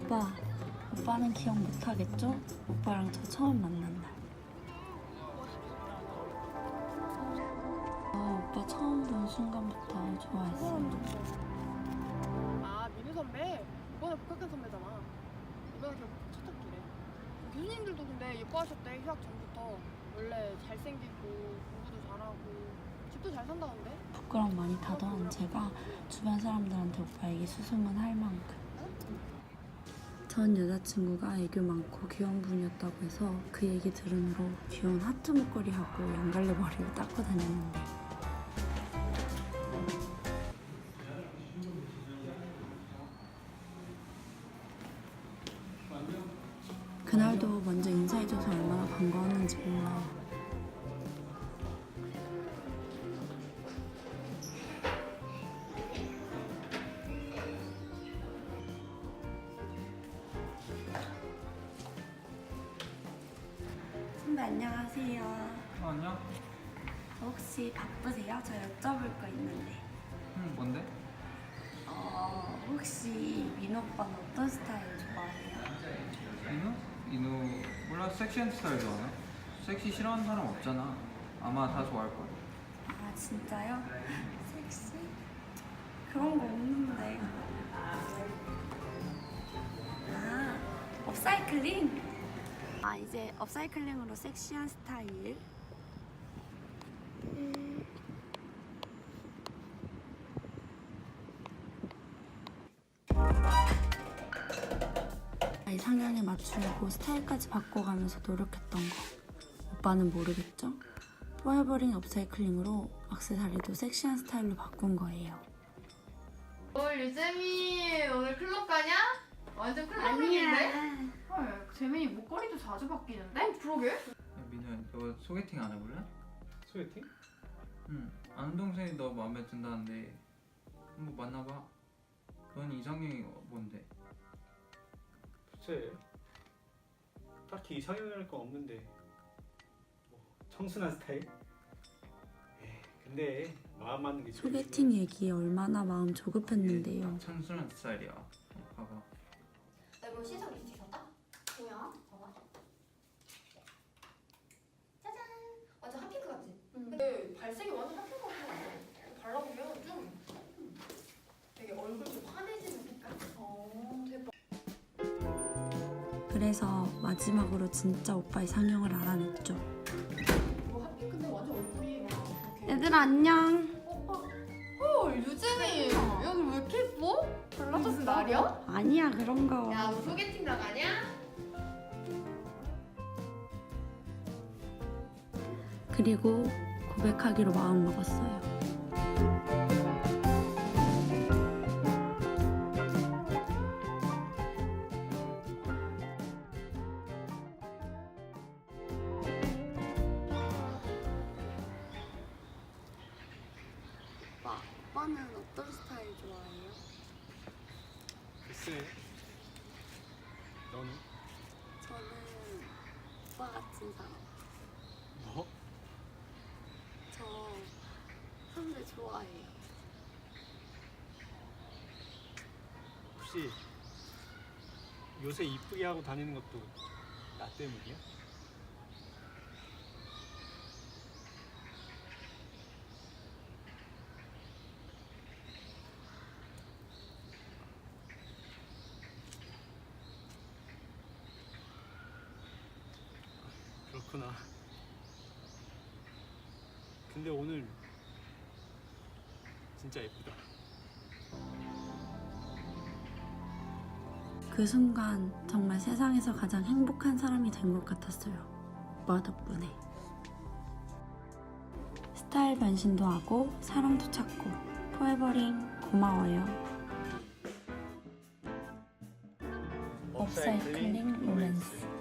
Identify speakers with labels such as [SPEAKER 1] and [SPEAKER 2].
[SPEAKER 1] 오빠는 기억 못하겠죠? 오빠랑 저 처음 만난 날. 오빠 처음 본 순간부터 좋아했어.
[SPEAKER 2] 아, 민우 선배? 이번에 복학한 선배잖아. 이번에 결국 첫 학기래. 교수님들도 근데 예뻐하셨대, 휴학 전부터. 원래 잘생기고 공부도 잘하고 집도 잘 산다던데?
[SPEAKER 1] 부끄럼 많이 타던 제가 주변 사람들한테 오빠 얘기 수소문할 만큼. 전 여자친구가 애교 많고 귀여운 분이었다고 해서 그 얘기 들으므로 귀여운 하트 목걸이하고 양갈래 머리를 닦고 다녔는데 그날도 먼저 인사해줘서 얼마나 반가웠는지 몰라요. 선배 안녕하세요.
[SPEAKER 3] 안녕.
[SPEAKER 1] 혹시 바쁘세요? 저 여쭤볼 거 있는데.
[SPEAKER 3] 뭔데?
[SPEAKER 1] 혹시 민호 오빠는 어떤 스타일 좋아해요?
[SPEAKER 3] 인우? 몰라. 섹시한 스타일 좋아하나? 섹시 싫어하는 사람 없잖아. 아마 다 좋아할걸.
[SPEAKER 1] 아 진짜요? 섹시? 그런 거 없는데. 아 업사이클링? 이제 업사이클링으로 섹시한 스타일. 이상형에 맞추려고 스타일까지 바꿔가면서 노력했던 거 오빠는 모르겠죠? 포에버링 업사이클링으로 액세서리도 섹시한 스타일로 바꾼 거예요.
[SPEAKER 4] 유재미 오늘 클럽 가냐? 완전 클럽룩인데? 헐, 재민이 목걸이도 자주 바뀌는데? 그러게?
[SPEAKER 3] 야, 민우야, 너 소개팅 안 해볼래?
[SPEAKER 5] 소개팅?
[SPEAKER 3] 응. 아는 동생이 너 마음에 든다는데 한번 만나봐. 넌 이상형이 뭔데?
[SPEAKER 5] 글쎄, 딱히 이상형이랄 건 없는데 뭐 청순한 스타일? 근데 마음 맞는 게 제일
[SPEAKER 1] 소개팅 얘기에 얼마나 마음 조급했는데요.
[SPEAKER 3] 청순한 스타일이야. 봐봐.
[SPEAKER 4] 나 이거 신상 리스트 줬다? 뭐야? 봐봐. 짜잔! 완전 핫핑크 같지? 근데 발색이 완전 핫핑크 같아. 발라보면 좀 되게 얼굴 좀 환해지는 색깔? 대박.
[SPEAKER 1] 그래서 마지막으로 진짜 오빠 이상형을 알아냈죠.
[SPEAKER 4] 이거 핫핑크인데 완전 얼굴이 막 이렇게.
[SPEAKER 1] 얘들아 안녕.
[SPEAKER 4] 헐, 유재미! 여기 왜 이렇게 예뻐? 발라줬어 날이야?
[SPEAKER 1] 아니야 그런 거.
[SPEAKER 4] 야, 너 소개팅 나가냐?
[SPEAKER 1] 그리고 고백하기로 마음먹었어요. 오빠는 어떤 스타일 좋아해요?
[SPEAKER 5] 글쎄, 너는?
[SPEAKER 1] 저는 오빠 같은 사람.
[SPEAKER 5] 뭐?
[SPEAKER 1] 저 선배 좋아해요.
[SPEAKER 5] 혹시 요새 이쁘게 하고 다니는 것도 나 때문이야? 그렇구나. 근데 오늘 진짜 예쁘다.
[SPEAKER 1] 그 순간 정말 세상에서 가장 행복한 사람이 된 것 같았어요. 오빠 덕분에. 스타일 변신도 하고 사랑도 찾고 포에버링 고마워요. 업사이클링 로맨스.